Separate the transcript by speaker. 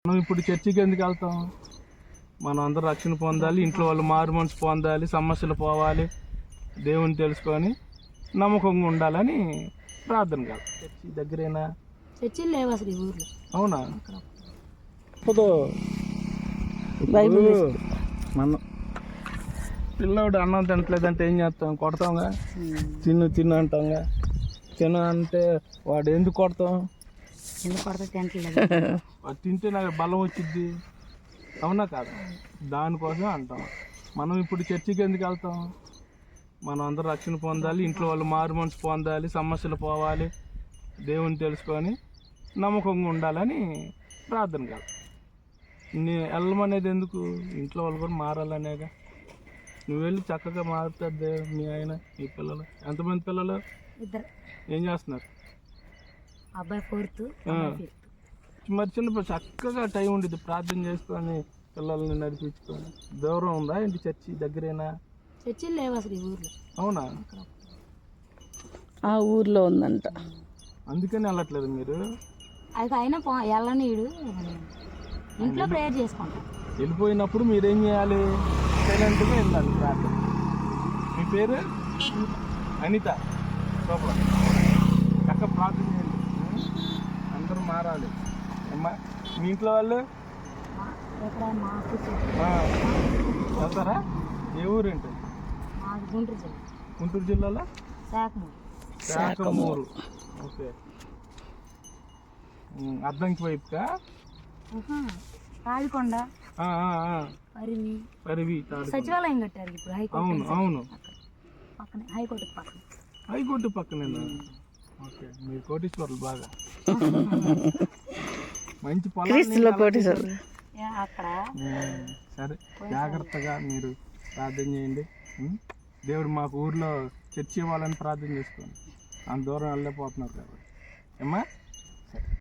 Speaker 1: మనం ఇప్పుడు చర్చికి ఎందుకు వెళ్తాం? మనం అందరూ రక్షణ పొందాలి, ఇంట్లో వాళ్ళు మారు మనసు పొందాలి, సమస్యలు పోవాలి, దేవుని తెలుసుకొని నమ్మకంగా ఉండాలని ప్రార్థన కాదు. చర్చి దగ్గరేనా?
Speaker 2: చర్చిలు లేవు అసలు ఈ ఊర్లో.
Speaker 1: అవునా? ఇప్పుడు మన పిల్లోడు అన్నం తినట్లేదంటే ఏం చేస్తాం? కొడతాంగా. తిను తిను అంటాంగా. తిను అంటే వాడు ఎందుకు కొడతాం?
Speaker 2: ఎందుకు కొడతా? తినట్లేదు.
Speaker 1: వాడు తింటే నాకు బలం వచ్చింది, అవునా కాదు? దానికోసం అంటాం. మనం ఇప్పుడు చర్చికి ఎందుకు వెళ్తాం? మనం అందరూ రక్షణ పొందాలి, ఇంట్లో వాళ్ళు మారు మనసు పొందాలి, సమస్యలు పోవాలి, దేవుని తెలుసుకొని నమ్మకంగా ఉండాలని ప్రార్థన కాదు. వెళ్ళమనేది ఎందుకు? ఇంట్లో వాళ్ళు కూడా మారాలనేగా. నువ్వు వెళ్ళి చక్కగా మారుతుంది మీ ఆయన, మీ పిల్లలు. ఎంతమంది పిల్లలు?
Speaker 2: ఇద్దరు.
Speaker 1: ఏం చేస్తున్నారు?
Speaker 2: అబ్బాయి 4th,
Speaker 1: మరి చిన్నప్పుడు చక్కగా టైం ఉండేది, ప్రార్థన చేసుకొని పిల్లల్ని నడిపించుకొని. దూరం ఉందా ఏంటి చర్చి? దగ్గరేనా?
Speaker 2: చర్చిలు లేవు అసలు ఈ ఊర్లో.
Speaker 1: అవునా?
Speaker 3: ఆ ఊర్లో ఉందంట,
Speaker 1: అందుకని వెళ్ళట్లేదు మీరు?
Speaker 2: అది అయినా వెళ్ళనీడు. ఇంట్లో ప్రేయర్ చేసుకుంటాం.
Speaker 1: వెళ్ళిపోయినప్పుడు మీరేం చేయాలి? సైలెంట్గా వెళ్ళాలి ప్రార్థన. మీ పేరు? అనిత. సూపర్. చక్కగా ప్రార్థన చేయండి, అందరూ మారాలి. అమ్మా మీ ఇంట్లో వాళ్ళు వెళ్తారా? ఏ ఊరు ఏంటి?
Speaker 2: గుంటూరు జిల్లా.
Speaker 1: గుంటూరు జిల్లాలో శాఖమూరు. ఓకే. అద్దంకి వైపుకా?
Speaker 2: రావికొండ, పరివి, సచివాలయం కట్టారు ఇప్పుడు.
Speaker 1: అవును అవును,
Speaker 2: పక్కనే హైకోర్టు పక్కన.
Speaker 1: హైకోర్టు పక్కనేనా? ఓకే, మీరు కోటీశ్వర్లు బాగా. మంచి పొలం
Speaker 2: అక్కడ.
Speaker 1: సరే, జాగ్రత్తగా మీరు ప్రార్థన చేయండి. దేవుడు మాకు ఊర్లో చర్చి ఇవ్వాలని ప్రార్థన చేసుకోండి. అంత దూరం వెళ్ళలేకపోతున్నారు కాబట్టి. ఏమ్మా?